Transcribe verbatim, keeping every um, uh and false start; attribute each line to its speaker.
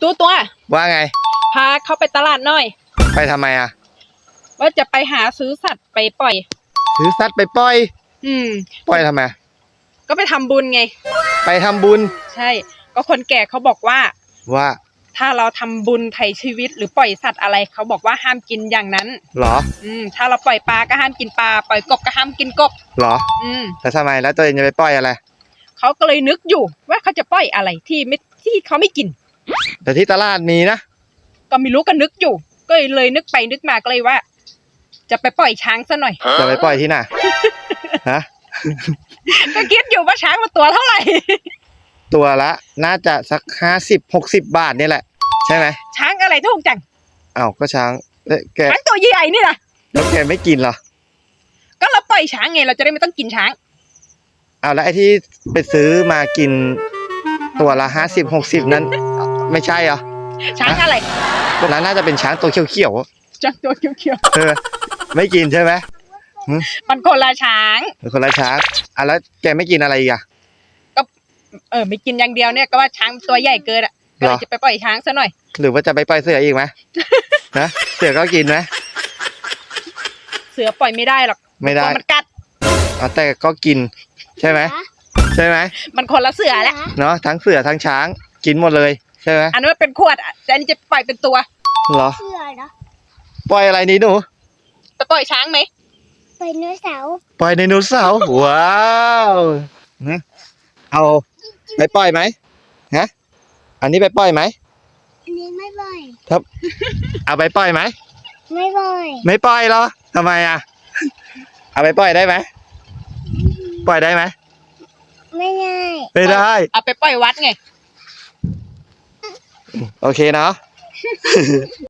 Speaker 1: ตัวตัว
Speaker 2: ว่าไง
Speaker 1: พาเขาไปตลาดหน่อย
Speaker 2: ไปทำไมอ่ะ
Speaker 1: ว่าจะไปหาซื้อสัตว์ไปปล่อย
Speaker 2: ซื้อสัตว์ไปปล่อย
Speaker 1: อืม
Speaker 2: ปล่อยทำไม
Speaker 1: ก็ไปทำบุญไง
Speaker 2: ไปทำบุญ
Speaker 1: ใช่ก็คนแก่เขาบอกว่า
Speaker 2: ว่า
Speaker 1: ถ้าเราทำบุญไถ่ชีวิตหรือปล่อยสัตว์อะไรเขาบอกว่าห้ามกินอย่างนั้น
Speaker 2: เหรอ
Speaker 1: อืมถ้าเราปล่อยปลาก็ห้ามกินปลาปล่อยกบก็ห้ามกินกบ
Speaker 2: เหรอ
Speaker 1: อืม
Speaker 2: แล้วทำไมแล้วตัวเองจะไปปล่อยอะไร
Speaker 1: เขาก็เลยนึกอยู่ว่าเขาจะปล่อยอะไรที่ไม่ที่เขาไม่กิน
Speaker 2: แต่ที่ตลาดมีนะ
Speaker 1: ก็ไม่รู้ก็นึกอยู่ก็เลยนึกไปนึกมาก็เลยว่าจะไปปล่อยช้างซะหน่อย
Speaker 2: จะไปปล่อยที่ไหนฮะ
Speaker 1: ก็คิดอยู่ว่าช้างมันตัวเท่าไหร่
Speaker 2: ตัวละน่าจะสักห้าสิบหกสิบบาทนี่แหละใช่ไหม
Speaker 1: ช้างอะไรถูกจัง
Speaker 2: อ้าวก็ช้างแก
Speaker 1: ช้างตัวใหญ่นี่นะ
Speaker 2: แล้วแกไม่กินเหรอ
Speaker 1: ก็เราปล่อยช้างไงเราจะได้ไม่ต้องกินช้าง
Speaker 2: อ้าวแล้วไอ้ที่ไปซื้อมากินตัวละห้าสิบหกสิบนั้นไม่ใช่เหรอ
Speaker 1: ช้างอะไร
Speaker 2: ตัวนั้นน่าจะเป็นช้างตัวเขียว
Speaker 1: ๆช้างตัวเขียว
Speaker 2: ๆเออไม่กินใช่ไหม
Speaker 1: มันคนละช้าง
Speaker 2: คนละช้างอ่ะแล้วแกไม่กินอะไรอีกอ่ะ
Speaker 1: ก็เออไม่กินอย่างเดียวเนี่ยก็ว่าช้างตัวใหญ่เกินอ่ะก็เลยจะไปปล่อยช้างซะหน่อย
Speaker 2: หรือว่าจะไปปล่อยเสืออีกไหมนะเสือก็กินไหม
Speaker 1: เสือปล่อยไม่ได้หรอก
Speaker 2: ไม่ได้
Speaker 1: มันกัด
Speaker 2: อ๋อแต่ก็กินใช่ไหมใช่ไหม
Speaker 1: มันคนละเสือแหละ
Speaker 2: เนาะทั้งเสือทั้งช้างกินหมดเลยใช่ไหม
Speaker 1: อันนั้นเป็นขวดอ่ะแต่อันนี้จะปล่อยเป็นตัว
Speaker 2: เหรอ
Speaker 3: เสือเหรอ
Speaker 2: ปล่อยอะไรนี้หนู
Speaker 1: ไปปล่อยช้างไหม
Speaker 3: ปล่อยไดโนเสาร์
Speaker 2: ปล่อยไดโนเสาร์ว้าวนะเอาไปปล่อยไหมฮะอันนี้ไปปล่อยไหม
Speaker 3: อันนี้ไม่ปล่อย
Speaker 2: ครับเอาไปปล่อยไหม
Speaker 3: ไม่ปล่อย
Speaker 2: ไม่ปล่อยเหรอทำไมอ่ะเอาไปปล่อยได้ไหมปล่อยได้ไหม
Speaker 3: ไม่ได้
Speaker 2: ไม่ได้
Speaker 1: เอาไปปล่อยวัดไง
Speaker 2: โอเคเนาะ